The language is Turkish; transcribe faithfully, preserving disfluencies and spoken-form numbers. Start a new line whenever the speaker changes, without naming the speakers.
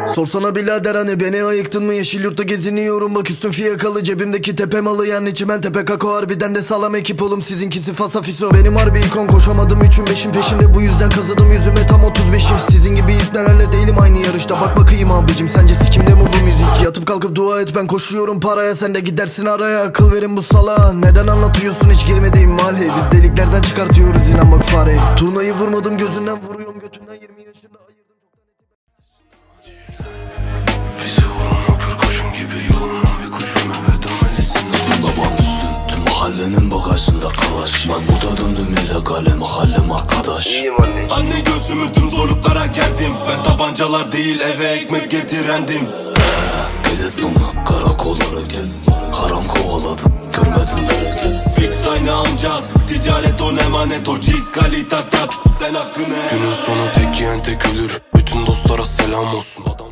Sorsana birader hani beni ayıktın mı? Yeşil yurtta geziniyorum bak üstüm fiyakalı, cebimdeki tepe malı yani çimen tepe kako. Harbiden de sağlam ekip oğlum, sizinkisi fasafiso. Benim harbi ikon, koşamadım üçün beşin peşinde, bu yüzden kazıdım yüzüme tam otuz beşi. Sizin gibi ipnelerle değilim aynı yarışta, bak bakayım abicim sence sikimde mi bu müzik? Yatıp kalkıp dua et, ben koşuyorum paraya, sen de gidersin araya. Akıl verin bu salağa, neden anlatıyorsun hiç girmediğim mahalle? Biz deliklerden çıkartıyoruz inan bak fare. Turnayı vurmadım gözünden, vuruyorum götünden, yirmi yaşında ayırdım çoktan.
Bize vuran o kör kurşun gibi yolundan bir kuşum, eve dönmelisin. Babam üstün tüm mahallenin bagajında kalaş. Ben burada döndüm illegale, mahallem arkadaş.
İyiyim anne.
Anne gözümü tüm zorluklara gerdim. Ben tabancalar değil eve ekmek getirendim. Gece sonu karakolları gez, haram kovaladım görmedim bereket. Victayne amcaz, ticaret on emanet, o cikkali tak tak sen hakkını. Günün sonu tek yiyen tek ölür, bütün dostlara selam olsun. Adam